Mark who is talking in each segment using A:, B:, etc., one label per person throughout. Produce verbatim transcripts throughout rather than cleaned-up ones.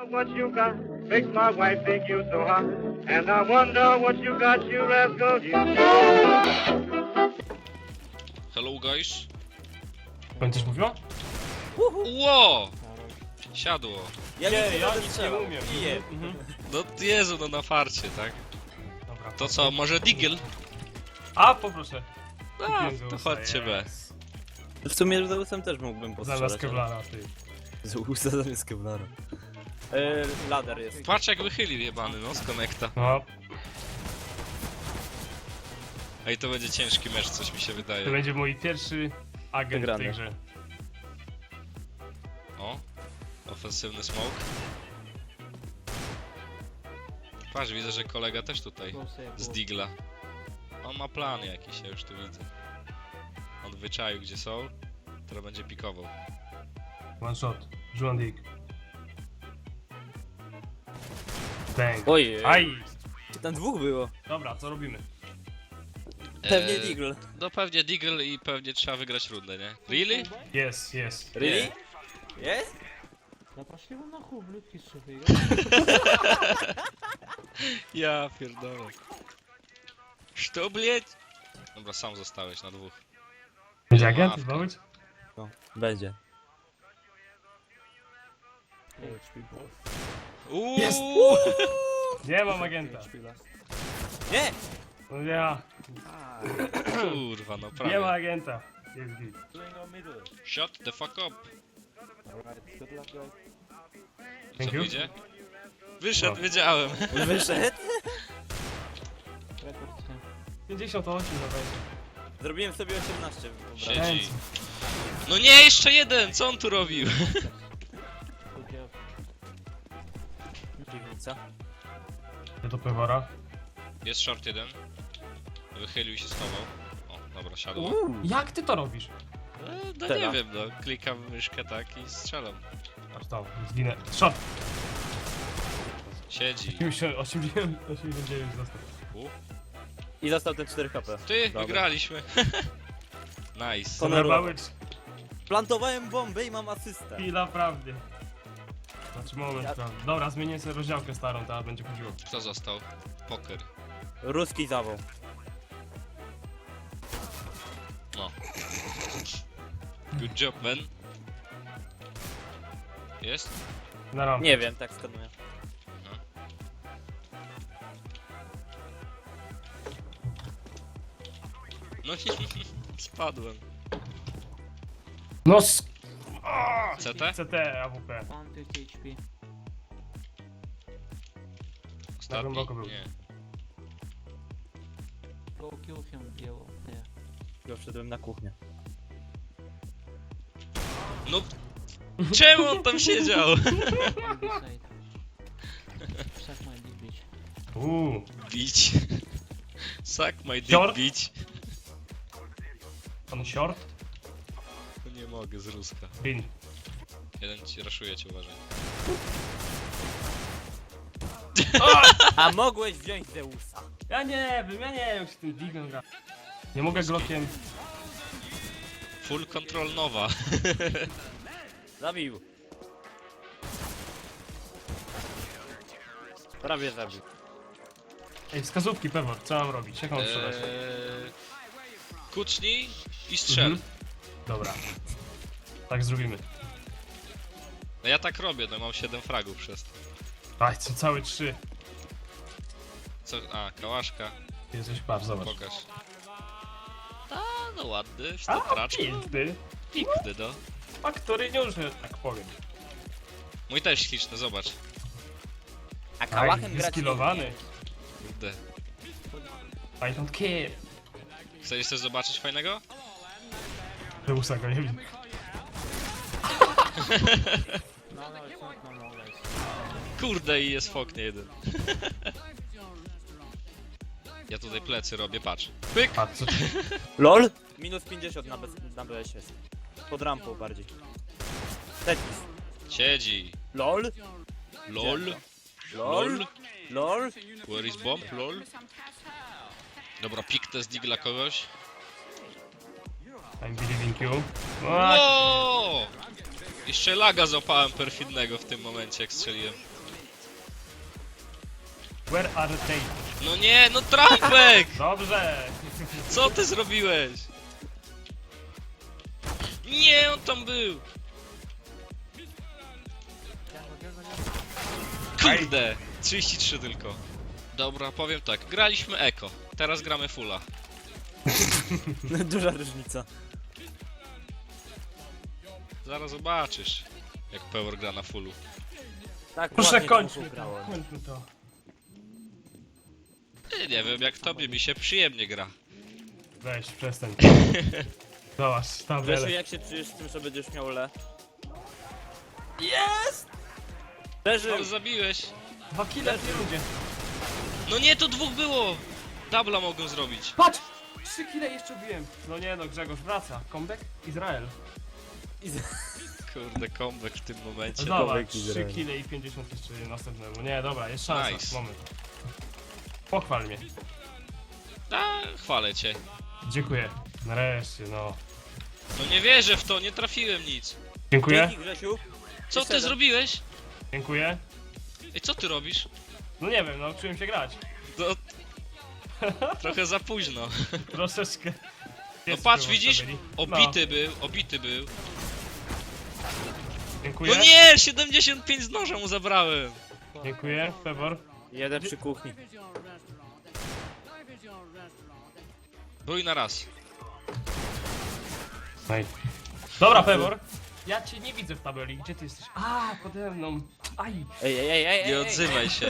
A: What you got makes my wife think you so hot, and I wonder what you got, you rascal, you.
B: Hello guys.
C: Będziesz mówiła?
B: Ło! Siadło.
D: Ja
C: Nie,
D: nic nie
C: ja
D: będę
C: nic nie
D: strzelał.
C: umiem.
D: Piję.
C: Mhm.
B: No Jezu, no na farcie, tak?
C: Dobra.
B: To co, może Diggle?
C: A, poproszę.
B: A,
C: Kupiłem
B: to
C: Zeusa,
B: chodźcie B.
C: yes.
D: W sumie Zeusem też mógłbym postrzelać.
C: Zamiast Kevlara, ty.
D: Zeusa zamiast Kevlara. E, Ladder jest.
B: Patrz jak wychylił jebany, no, z konekta.
C: No,
B: Ej, to będzie ciężki mecz, coś mi się
C: to
B: wydaje.
C: będzie mój pierwszy agent w
D: Wygrany.
C: tej grze.
B: O, ofensywny smoke. Patrz, widzę, że kolega też tutaj, z Digla. On ma plany jakieś, ja już tu widzę. On wyczaił, gdzie są, teraz będzie pikował.
C: One shot. Juan Dick. Bang.
D: Ojej.
C: Aj!
D: Tam dwóch było.
C: Dobra, co robimy?
D: Pewnie
B: Eee,
D: Deagle.
B: No pewnie Diggle i pewnie trzeba wygrać rundę, nie? Really?
C: Yes, yes.
D: Really? Jest?
E: Да пошли вы нахуй, ублюдки, сука.
B: Ja pierdolę. Co, блять? Dobra, sam zostałeś na dwóch.
C: Będzie agent?
B: Ławka.
C: Chyba być?
D: No, będzie.
B: Uuu!
D: Jest!
C: Nie mam agenta.
D: Nie!
C: No ja.
B: Kurwa, no
C: Nie ma
B: prawie.
C: agenta. Jest git.
B: Shut the fuck up.
C: Thank
B: Co
C: you.
B: wyjdzie? Wyszedł,
C: No.
B: wiedziałem.
D: Wyszedł?
C: pięćdziesiąt osiem na będzie.
D: Zrobiłem sobie osiemnaście obrażeń.
B: Siedzi.
C: Chęci.
B: No nie, jeszcze jeden! Co on tu robił?
D: Piwnica.
C: Ja do Pewora.
B: Jest short jeden. Wychylił i się schował. O, dobra, siadło.
D: Uuu.
C: Jak ty to robisz?
B: E, no
D: Tela.
B: nie wiem, no. Klikam w myszkę tak i strzelam.
C: Aż tam, zginę. Shot!
B: Siedzi.
C: osiemdziesiąt, osiemdziesiąt dziewięć został.
B: U.
D: I został ten cztery H P.
B: Ty,
D: Dobra.
B: wygraliśmy. Nice.
D: Honor-
C: Honorować
D: Plantowałem bombę i mam asystę.
C: chwila prawdy. Znaczy moment
D: Ja-
C: prawdy. Dobra, zmienię sobie rozdziałkę starą, ta będzie chodziło.
B: Kto został? Poker.
D: Ruski zawał.
B: No. Good job, man. Jest?
C: Na rampę.
D: Nie wiem, tak skanuję.
B: No spadłem.
C: No s...
B: C T?
C: C T, A W P.
E: one fifty H P.
B: Ostatni?
C: głęboko był.
B: Nie.
E: Go kill him, yellow. Yeah.
D: Ja wszedłem na kuchnię.
B: No... Czemu on tam siedział?
E: On this side. Suck my dick, bitch.
C: Uuu.
B: Bić. Suck my dick,
C: Short?
B: bić.
C: On short?
B: No nie mogę z Ruska.
C: Pin.
B: Jeden ci raszuje, cię uważaj.
D: A mogłeś wziąć Zeusa.
C: Ja nie wiem, ja nie wiem jak się tym dignem gra. Nie mogę Glockiem.
B: Full control nowa.
D: Zabił. Prawie zabił.
C: Ej, wskazówki Pewor, co mam robić? Jak mam strzelać?
B: Eee, kucnij i strzel.
C: Mhm. Dobra. Tak zrobimy.
B: No ja tak robię, no mam siedem fragów przez to.
C: Aj, co całe trzy.
B: Co? A, kałaszka.
C: Jesteś patrz, zobacz.
B: Pokaż. A, no ładny, w
C: A,
B: stopraczku.
C: piękny.
B: Piękny, no.
C: Faktoryniusz, że tak powiem.
B: Mój też śliczny, zobacz.
D: A
C: Tak,
D: kałachem grać
C: wyskilowany.
B: Kurde.
C: I don't care.
B: Chcesz coś zobaczyć fajnego?
C: Zeusa go nie wiem.
E: No, no, it's not normal, guys.
B: Kurde i jest w oknie jeden. Ja tutaj plecy robię, patrz. Pyk!
C: A co?
D: LOL? Minus pięćdziesiąt na, bez, na B S jest. Pod rampą bardziej. Tetris.
B: Siedzi.
D: LOL?
B: LOL.
D: LOL? LOL?
B: Where is bomb? LOL. Dobra, pik test digla kogoś.
C: I'm believing you. O,
B: Wow! Jeszcze laga złapałem perfidnego w tym momencie, jak strzeliłem.
C: Where are they?
B: No nie, no trampek!
C: Dobrze!
B: Co ty zrobiłeś? Nie, on tam był! Kurde! trzydzieści trzy tylko. Dobra, powiem tak, graliśmy eko, teraz gramy fulla.
D: Duża różnica.
B: Zaraz zobaczysz, jak Power gra na fullu.
D: Tak,
C: Proszę
D: ładnie
C: kończmy
D: dwóch
C: to,
D: grało.
C: kończmy to.
B: Nie, nie wiem, jak tobie mi się przyjemnie gra.
C: Weź, przestań. Zobacz,
D: Grzesiu,
C: tabelę.
D: jak się czujesz z tym, że będziesz miał le? Jest! Leży!
B: Ale zabiłeś.
C: Dwa kile w tej rundzie.
B: No nie, to dwóch było! Dubla mogą zrobić.
C: Patrz! Trzy kile jeszcze biłem. No nie no, Grzegorz wraca. Comeback? Izrael.
B: Kurde, comeback w tym momencie.
C: Zobacz,
D: Comeback
C: trzy
D: Izrael.
C: kile i pięćdziesiąt jeszcze następnemu. Nie, dobra, jest szansa.
B: Nice.
C: Moment. Pochwal mnie.
B: A, chwalę cię.
C: Dziękuję. Nareszcie, no.
B: No nie wierzę w to, nie trafiłem nic.
C: Dziękuję.
D: Dzięki, Grzesiu.
B: Co
D: Jeszcze
B: ty
D: jeden.
B: zrobiłeś?
C: Dziękuję.
B: Ej, co ty robisz?
C: No nie wiem, nauczyłem się grać.
B: No... Trochę za późno.
C: Troszeczkę.
B: No
C: Jest
B: patrz,
C: było
B: widzisz?
C: stabili.
B: Obity był, obity był.
C: No, dziękuję.
B: No nie, siedemdziesiąt pięć z noża mu zabrałem.
C: Dziękuję, Febor.
D: Jeden przy kuchni.
B: Bój na raz.
C: Ej. Dobra, Febor. Ja cię nie widzę w tabeli. Gdzie ty jesteś? A, pode mną. Aj.
D: Ej, ej, ej, ej, ej!
B: Nie
D: ej.
B: odzywaj się.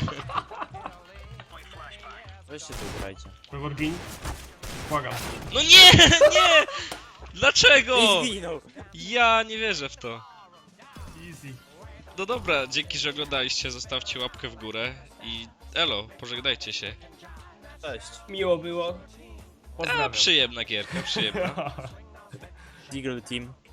D: Weźcie tu grajcie.
C: Febor, gin. Błagam.
B: No nie, nie! Dlaczego?
D: I zginął!
B: Ja nie wierzę w to.
C: Easy.
B: No dobra, dzięki, że oglądaliście, zostawcie łapkę w górę i elo, pożegnajcie się.
D: Cześć.
C: Miło było.
B: A,
C: Pozdrawiam.
B: przyjemna gierka, przyjemna.
D: Deagle Team.